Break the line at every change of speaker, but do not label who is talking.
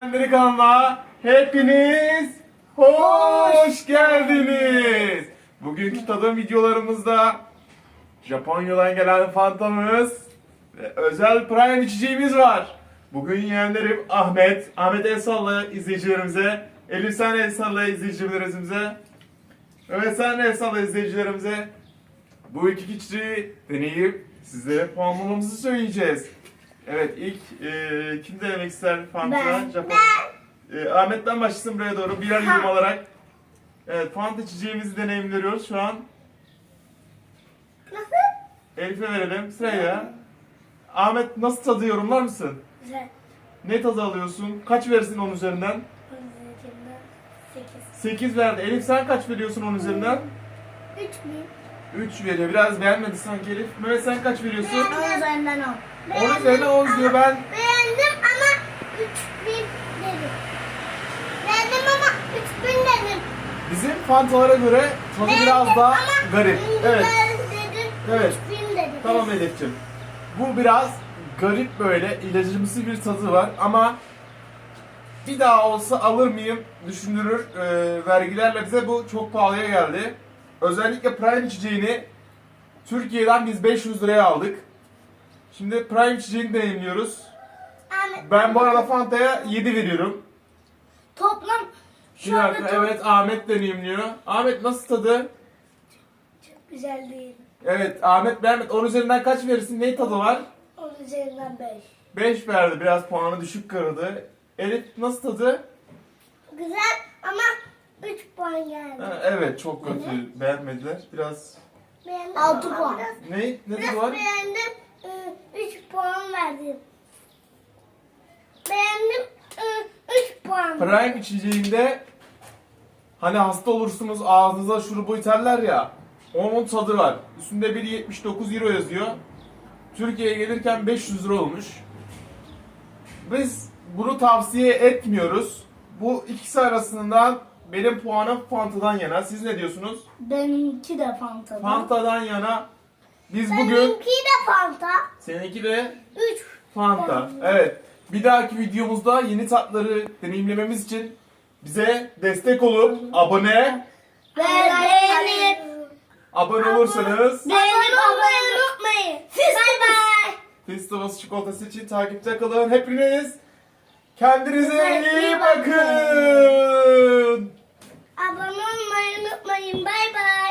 Kanalıma hepiniz hoş geldiniz. Bugünkü tadım videolarımızda Japonya'dan gelen Fanta'mız ve özel Prime içeceğimiz var. Bugün yeğenlerim Ahmet el salla izleyicilerimize, Elif sen el salla izleyicilerimize, evet sen el salla izleyicilerimize. Bu iki içeceği deneyip sizlere puanlamamızı söyleyeceğiz. Evet, ilk kim denemek ister Fanta? Ahmet'ten başlasın buraya doğru birer yudum alarak. Evet, Fanta içeceğimizi deneyimliyoruz şu an.
Nasıl?
Elif'e verelim sırayla. Ahmet nasıl tadı yorumlar mısın?
Güzel.
Ne tadı alıyorsun? Kaç verirsin 10 üzerinden?
8.
8 verdi. Elif sen kaç veriyorsun 10 üzerinden?
3
3 veriyor. Biraz beğenmedi sanki Elif. Mehmet sen kaç veriyorsun?
10 üzerinden 10.
10 üzerinden 10 diyor ben.
Beğendim ama 3000 dedim. Beğendim ama 3000 dedim.
Bizim Fanta'lara göre tadı biraz daha garip. Evet.
Dedim,
Evet.
3000 dedim.
Tamam Elif'ciğim. Bu biraz garip böyle ilacımsı bir tadı var ama bir daha olsa alır mıyım düşündürür. Vergilerle bize bu çok pahalıya geldi. Özellikle Prime içeceğini Türkiye'den biz 500 liraya aldık. Şimdi Prime içeceğini deneyimliyoruz. Ben bu arada Fanta'ya 7 veriyorum.
Toplam
Bir
şu anda
dakika, evet Ahmet deneyimliyor. Ahmet nasıl tadı?
çok güzel değil.
Evet Ahmet beğenmedi. 10 üzerinden kaç verirsin? Ne tadı var?
10 üzerinden 5.
5 verdi. Biraz puanı düşük kırdı. Elif nasıl tadı?
Güzel ama 3 puan geldi.
Ha, evet çok kötü. Beğenmediler. Biraz...
Beğendim. 6 puan.
Ne? Ne
Biraz
tadı var?
beğendim. 3 puan verdim. Beğendim. 3 puan.
Prime içeceğinde hani hasta olursunuz ağzınıza şurubu iterler ya. Onun tadı var. Üstünde 1,79 euro yazıyor. Türkiye'ye gelirken 500 lira olmuş. Biz bunu tavsiye etmiyoruz. Bu ikisi arasından benim puanım Fanta'dan yana. Siz ne diyorsunuz?
Benimki de Fanta'da.
Fanta'dan yana. Biz bugün...
Benimki de Fanta.
Seninki de
3
Fanta. Evet. Bir dahaki videomuzda yeni tatları deneyimlememiz için bize destek olup abone olursanız
Beğenip olmayı unutmayın. Bye bye.
Festivals çikolatası için takipte kalın. Hepiniz kendinize iyi bakın.
Abone olmayı unutmayın. Bye bye.